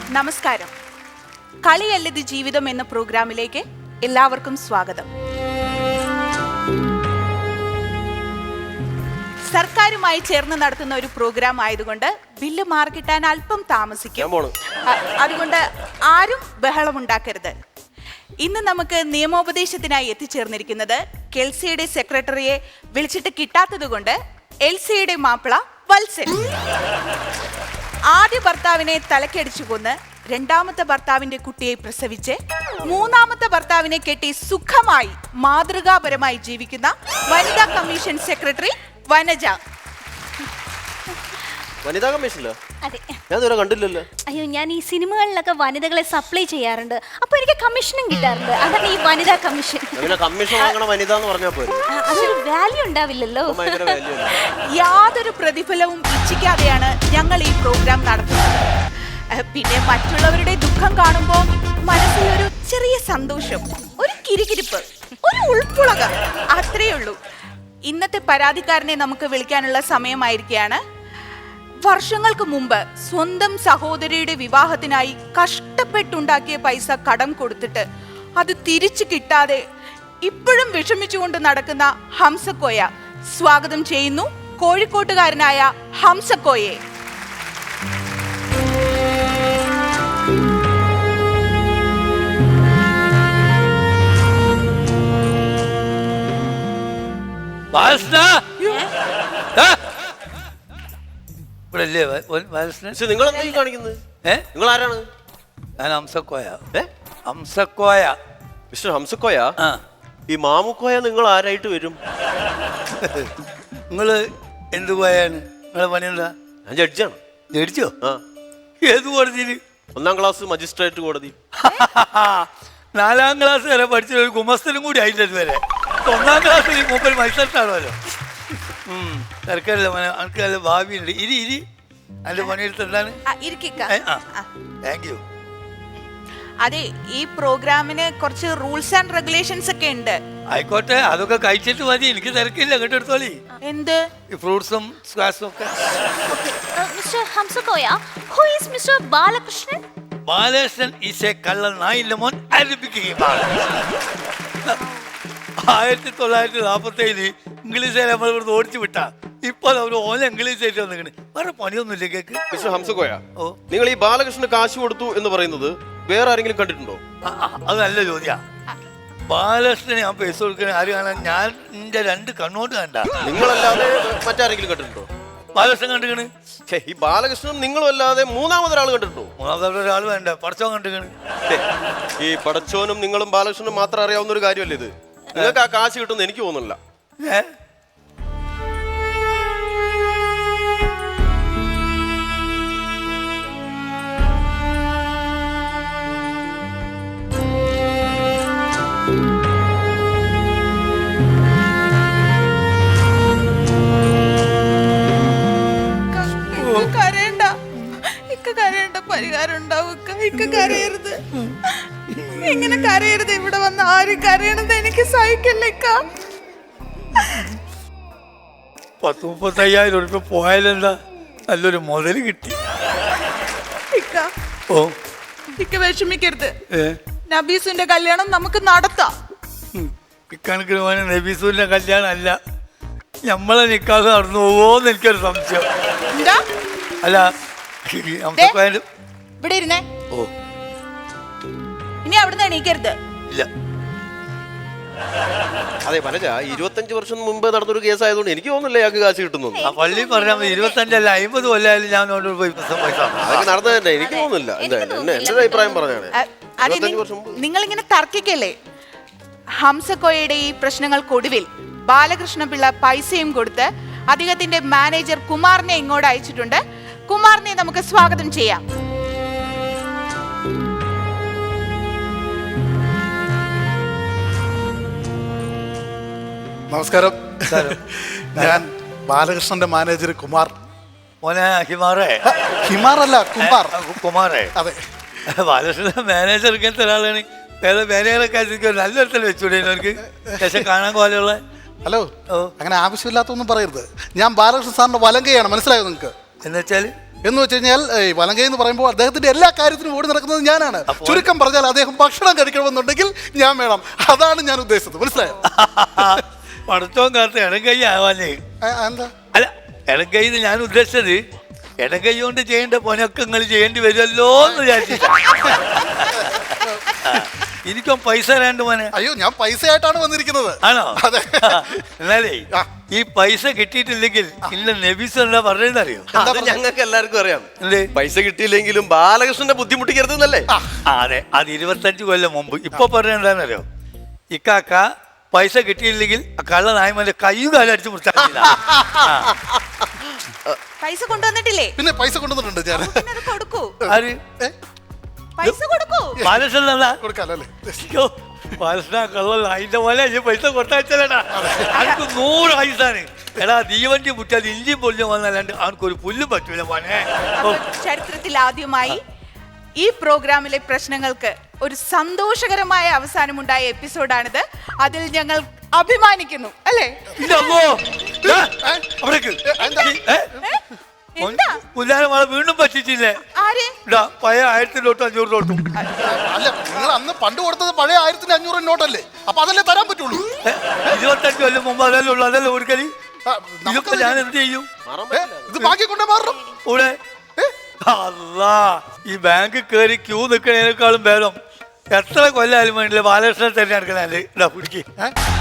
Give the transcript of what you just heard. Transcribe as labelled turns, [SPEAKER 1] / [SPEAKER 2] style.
[SPEAKER 1] നമസ്കാരം. കളിയല്ലത് ജീവിതം എന്ന പ്രോഗ്രാമിലേക്ക് എല്ലാവർക്കും സ്വാഗതം. സർക്കാരുമായി ചേർന്ന് നടത്തുന്ന ഒരു പ്രോഗ്രാം ആയതുകൊണ്ട് ബില്ല് മാർക്കിട്ടാൻ അല്പം താമസിക്കും. അതുകൊണ്ട് ആരും ബഹളമുണ്ടാക്കരുത്. ഇന്ന് നമുക്ക് നിയമോപദേശത്തിനായി എത്തിച്ചേർന്നിരിക്കുന്നത് കെൽസിയുടെ സെക്രട്ടറിയെ വിളിച്ചിട്ട് കിട്ടാത്തത് കൊണ്ട് എൽസിയുടെ മാപ്പിള വത്സൻ. ആദ്യ ഭർത്താവിനെ തലക്കടിച്ചു കൊന്ന് രണ്ടാമത്തെ ഭർത്താവിന്റെ കുട്ടിയെ പ്രസവിച്ച് മൂന്നാമത്തെ ഭർത്താവിനെ കെട്ടി സുഖമായി മാതൃകാപരമായി ജീവിക്കുന്ന വനിതാ കമ്മീഷൻ സെക്രട്ടറി വനജ.
[SPEAKER 2] വനിതാ കമ്മീഷനിലോ?
[SPEAKER 3] അതെ.
[SPEAKER 2] ഞാൻ ഇതുവരെ കണ്ടില്ലല്ലോ.
[SPEAKER 3] അയ്യോ, ഞാൻ ഈ സിനിമകളിലൊക്കെ വനിതകളെ സപ്ലൈ ചെയ്യാറുണ്ട്, അപ്പൊ എനിക്ക് കമ്മീഷനും കിട്ടാറുണ്ട്. അതാണ് ഈ വനിതാ കമ്മീഷൻ.
[SPEAKER 2] കമ്മീഷൻ വാങ്ങണ വനിത എന്ന് പറഞ്ഞാൽ പോരെ,
[SPEAKER 3] അതൊരു വാല്യൂ ഉണ്ടാവില്ലല്ലോ.
[SPEAKER 1] യാതൊരു പ്രതിഫലവും ഇച്ഛിക്കാതെയാണ് ഞങ്ങൾ ഈ പ്രോഗ്രാം നടത്തുന്നത്. പിന്നെ മറ്റുള്ളവരുടെ ദുഃഖം കാണുമ്പോൾ മനസ്സിൽ ഒരു ചെറിയ സന്തോഷം, ഒരു കിരികിരിപ്പ്, ഒരു ഉൾപ്പുളക, അത്രയേ ഉള്ളൂ. ഇന്നത്തെ പരാതിക്കാരനെ നമുക്ക് വിളിക്കാനുള്ള സമയമായിരിക്കുകയാണ്. വർഷങ്ങൾക്ക് മുമ്പ് സ്വന്തം സഹോദരിയുടെ വിവാഹത്തിനായി കഷ്ടപ്പെട്ടുണ്ടാക്കിയ പൈസ കടം കൊടുത്തിട്ട് അത് തിരിച്ചു കിട്ടാതെ ഇപ്പോഴും വിഷമിച്ചുകൊണ്ട് നടക്കുന്ന ഹംസക്കോയ സ്വാഗതം ചെയ്യുന്നു. കോഴിക്കോട്ടുകാരനായ ഹംസക്കോയെ.
[SPEAKER 2] നിങ്ങൾ കാണിക്കുന്നത് നിങ്ങൾ ആരാണ്?
[SPEAKER 4] ഞാൻ ഹംസക്കോയ. ഹംസക്കോയ.
[SPEAKER 2] മിസ്റ്റർ ഹംസക്കോയ, ഈ മാമുക്കോയ നിങ്ങൾ ആരായിട്ട് വരും?
[SPEAKER 4] നിങ്ങള് എന്ത് കോയാണ്? നിങ്ങളെ പണി എന്താ?
[SPEAKER 2] ഞാൻ ജഡ്ജാണ്.
[SPEAKER 4] ജഡ്ജോ? ഏത് കോടതിയിൽ?
[SPEAKER 2] 1ാം ക്ലാസ് മജിസ്ട്രേറ്റ് കോടതി.
[SPEAKER 4] 4ാം ക്ലാസ് വരെ പഠിച്ച ഒരു ഗുമസ്തനും കൂടി ആയില്ല ഇതുവരെ. 1ാം ക്ലാസ്സിൽ മൂപ്പർ മത്സരത്താണല്ലോ. തിരക്കല്ല, എനിക്ക് നല്ല ഭാവിയുണ്ട്. ഇരി അതിന്റെ പണിയെടുത്ത് എന്താണ്? Thank you.
[SPEAKER 1] അതെ, ഈ പ്രോഗ്രാമിന് കുറച്ച് റൂൾസ് ആൻഡ് റെഗുലേഷൻസ് ഒക്കെ ഉണ്ട്.
[SPEAKER 4] ആയിക്കോട്ടെ, അതൊക്കെ കഴിച്ചിട്ട് മതി, എനിക്ക് തിരക്കില്ല. കേട്ടെടുത്തോളി.
[SPEAKER 1] എന്ത്?
[SPEAKER 4] ഈ ഫ്രൂട്ട്സും സ്ക്വാഷും ഒക്കെ.
[SPEAKER 3] Mister Hamsakoya, who is Mr. Balakrishnan?
[SPEAKER 4] Balakrishnan is a കള്ള നായിന്റെ മോൻ. 1947 ഇംഗ്ലീഷ് നമ്മൾ ഇവിടുന്ന് ഓടിച്ചു വിട്ടാ. ഇപ്പൊ അവർ ഓല ഇംഗ്ലീഷ് ആയിട്ട് വന്നിങ്ങനെ. വേറെ പണിയൊന്നുമില്ല കേക്ക്.
[SPEAKER 2] മിസ്റ്റർ ഹംസക്കോയ, നിങ്ങൾ ഈ ബാലകൃഷ്ണന് കാശ് കൊടുത്തു എന്ന് പറയുന്നത് വേറെ ആരെങ്കിലും കണ്ടിട്ടുണ്ടോ?
[SPEAKER 4] അത് നല്ല ചോദ്യ. ബാലകൃഷ്ണന് ഞാൻ പൈസ കൊടുക്കണ ആര് കാണാൻ? ഞാൻ എന്റെ 2 കണ്ണോട്ട് കണ്ട.
[SPEAKER 2] നിങ്ങളല്ലാതെ മറ്റാരെങ്കിലും കണ്ടിട്ടുണ്ടോ?
[SPEAKER 4] ബാലകൃഷ്ണൻ കണ്ടുകണ്.
[SPEAKER 2] ഈ ബാലകൃഷ്ണനും നിങ്ങളും അല്ലാതെ മൂന്നാമതൊരാൾ കണ്ടിട്ടുണ്ടോ?
[SPEAKER 4] മൂന്നാമതൊരാൾ വേണ്ട, പടച്ചോൻ കണ്ടുകണ്.
[SPEAKER 2] ഈ പടച്ചോനും നിങ്ങളും ബാലകൃഷ്ണനും മാത്രം അറിയാവുന്ന ഒരു കാര്യമല്ലേ ഇത്? നിങ്ങൾക്ക് ആ കാശ് കിട്ടുമെന്ന് എനിക്ക് തോന്നുന്നില്ല.
[SPEAKER 1] പരിഹാരം ഉണ്ടാവും. കരയരുത്, ഇങ്ങനെ കരയരുത്. ഇവിടെ വന്ന് ആരും കരയണത് എനിക്ക് സഹിക്കില്ലേക്ക.
[SPEAKER 4] 30-35,000 രൂപ പോയാലെന്താ? നല്ലൊരു മുതല് കിട്ടി.
[SPEAKER 1] വിഷമിക്കരുത്. നബീസുന്റെ കല്യാണം നമുക്ക് നടത്താം.
[SPEAKER 4] ഇക്കണക്കിന് പോയ നബീസുവിന്റെ കല്യാണം അല്ല, നമ്മളെ നിക്കാതെ നടന്നു പോവോന്ന് എനിക്കൊരു സംശയം. അല്ല,
[SPEAKER 1] ഇവിടെ ഇരുന്നേ. ഇനി അവിടുന്ന് എണീക്കരുത്.
[SPEAKER 4] ഇല്ല.
[SPEAKER 2] അതെ വനജ, 25 വർഷം മുമ്പ് നടന്നൊരു കേസ് ആയതുകൊണ്ട് എനിക്ക് തോന്നുന്നില്ല ഇയാൾക്ക് കാശ് കിട്ടുന്നു.
[SPEAKER 4] ആ പള്ളി പറഞ്ഞാൽ 25 അല്ല 50 കൊല്ലായാലും ഞാൻ പോയി
[SPEAKER 2] അതൊക്കെ നടന്നത് തന്നെ എനിക്ക് തോന്നുന്നില്ല. എന്റെ അഭിപ്രായം പറഞ്ഞാണ്.
[SPEAKER 1] നിങ്ങളിങ്ങനെ തർക്കിക്കല്ലേ? ഹംസക്കോയയുടെ ഈ പ്രശ്നങ്ങൾക്കൊടുവിൽ ബാലകൃഷ്ണപിള്ള പൈസയും കൊടുത്ത് അദ്ദേഹത്തിന്റെ മാനേജർ കുമാറിനെ ഇങ്ങോട്ട് അയച്ചിട്ടുണ്ട്. കുമാറിനെ നമുക്ക് സ്വാഗതം ചെയ്യാം.
[SPEAKER 5] നമസ്കാരം. ഞാൻ ബാലകൃഷ്ണന്റെ മാനേജർ കുമാർ.
[SPEAKER 4] മോനെ ഹിമാറേ?
[SPEAKER 5] ഹിമാറല്ല, കുമാർ.
[SPEAKER 4] കുമാറേ?
[SPEAKER 5] അതെ.
[SPEAKER 4] ബാലകൃഷ്ണന്റെ മാനേജർ ഇങ്ങനത്തെ ഒരാളാണ്. വേറെ മാനേജറൊക്കെ നല്ലൊരുത്തൽ വെച്ചൂടെ അവർക്ക് ശേഷം കാണാൻ പോലെയുള്ള?
[SPEAKER 5] ഹലോ, അങ്ങനെ ആവശ്യമില്ലാത്തൊന്നും പറയരുത്. ഞാൻ ബാലകൃഷ്ണൻ സാറിന്റെ വലങ്കയാണ്, മനസ്സിലായോ നിങ്ങൾക്ക്?
[SPEAKER 4] എന്നുവെച്ചാൽ
[SPEAKER 5] എന്ന് വെച്ച് കഴിഞ്ഞാൽ വലങ്കൈ എന്ന് പറയുമ്പോൾ അദ്ദേഹത്തിന്റെ എല്ലാ കാര്യത്തിനും ഓടി നടക്കുന്നത് ഞാനാണ്. ചുരുക്കം പറഞ്ഞാൽ അദ്ദേഹം ഭക്ഷണം കഴിക്കണമെന്നുണ്ടെങ്കിൽ ഞാൻ വേണം. അതാണ് ഞാൻ ഉദ്ദേശിച്ചത്. മനസ്സിലായോ?
[SPEAKER 4] പടത്തോൻ കാലത്ത് ഇടംകൈ ആവാനേ.
[SPEAKER 5] എന്താ
[SPEAKER 4] അല്ല, ഇടംകൈ ഞാൻ ഉദ്ദേശിച്ചത് ഇടംകൈ കൊണ്ട് ചെയ്യേണ്ട പണിയൊക്കെ നിങ്ങൾ ചെയ്യേണ്ടി വരുമല്ലോ എന്ന് വിചാരിച്ചിട്ടാ. എനിക്കും പൈസ തരാണ്ട് മോനെ.
[SPEAKER 5] അയ്യോ, ഞാൻ പൈസയായിട്ടാണ് വന്നിരിക്കുന്നത്.
[SPEAKER 4] ആണോ?
[SPEAKER 5] അതെ.
[SPEAKER 4] എന്നാലേ ഈ പൈസ കിട്ടിയിട്ടില്ലെങ്കിൽ ഇല്ല നബീസ് എന്താ പറഞ്ഞറിയോ?
[SPEAKER 2] അത് ഞങ്ങൾക്ക് എല്ലാവർക്കും അറിയാം.
[SPEAKER 4] എന്തേ?
[SPEAKER 2] പൈസ കിട്ടിയില്ലെങ്കിലും ബാലകൃഷ്ണനെ ബുദ്ധിമുട്ടിക്കരുത് എന്നല്ലേ?
[SPEAKER 4] അതെ, അത് 25 കൊല്ലം മുമ്പ്. ഇപ്പൊ പറഞ്ഞ എന്താണെന്നറിയോ? ഇക്കാക്ക പൈസ കിട്ടിയില്ലെങ്കിൽ ആ കള്ള നായ്മന്റെ കയ്യും കാലം അടിച്ചു മുറിച്ചാൽ
[SPEAKER 1] പൈസ കൊണ്ടുവന്നിട്ടില്ലേ?
[SPEAKER 5] പിന്നെ പൈസ കൊണ്ടുവന്നിട്ടുണ്ട് ഞാൻ.
[SPEAKER 1] പിന്നെ അത് കൊടുക്കൂ.
[SPEAKER 4] ആര്?
[SPEAKER 1] പൈസ കൊടുക്കൂ.
[SPEAKER 4] ബാലകൃഷ്ണൻ എന്താ?
[SPEAKER 5] കൊടുക്കാലോ അല്ലേ?
[SPEAKER 4] ബാലകൃഷ്ണ കള്ള അതിന്റെ പോലെ പൈസ കൊടുത്താച്ചല്ലേടാ. അവർക്ക് 100 ആയുസാണ്. എടാ തീവണ്ടി മുറ്റാൽ ഇഞ്ചി പൊല്ലും വന്നല്ലാണ്ട് അവനക്കൊരു പുല്ലും പറ്റൂല മോനെ.
[SPEAKER 1] ചരിത്രത്തിൽ ആദ്യമായി ഈ പ്രോഗ്രാമിലെ പ്രശ്നങ്ങൾക്ക് ഒരു സന്തോഷകരമായ അവസാനമുണ്ടായ എപ്പിസോഡാണിത്. അതിൽ ഞങ്ങൾ അഭിമാനിക്കുന്നു, അല്ലേ?
[SPEAKER 4] പുല്ലാരമാളെ വീണ്ടും പറ്റിച്ചില്ലേ?
[SPEAKER 1] ആര്?
[SPEAKER 4] പഴയ 1000 നോട്ടും 500 നോട്ടും.
[SPEAKER 5] അല്ല, നിങ്ങൾ അന്ന് പണ്ട് കൊടുത്തത് പഴയ 1500 നോട്ടല്ലേ? അപ്പൊ അതല്ലേ തരാൻ പറ്റുള്ളൂ.
[SPEAKER 4] 25 കൊല്ലം മുമ്പ് അതല്ലേ ഉള്ളു. അതല്ലേ കൊടുക്കല്. ഇതൊക്കെ ഞാൻ എന്ത് ചെയ്യും?
[SPEAKER 5] ഇത് ബാക്കി കൊണ്ടേ മാറണം.
[SPEAKER 4] ഇവിടെ അല്ലാ, ഈ ബാങ്ക് കയറി ക്യൂ നിൽക്കണേനേക്കാളും ഭേദം എത്ര കൊല്ലാലും വേണ്ടില്ല ബാലകൃഷ്ണൻ തന്നെ എടുക്കണല്ലേ. ഇതാ പിടിക്ക്.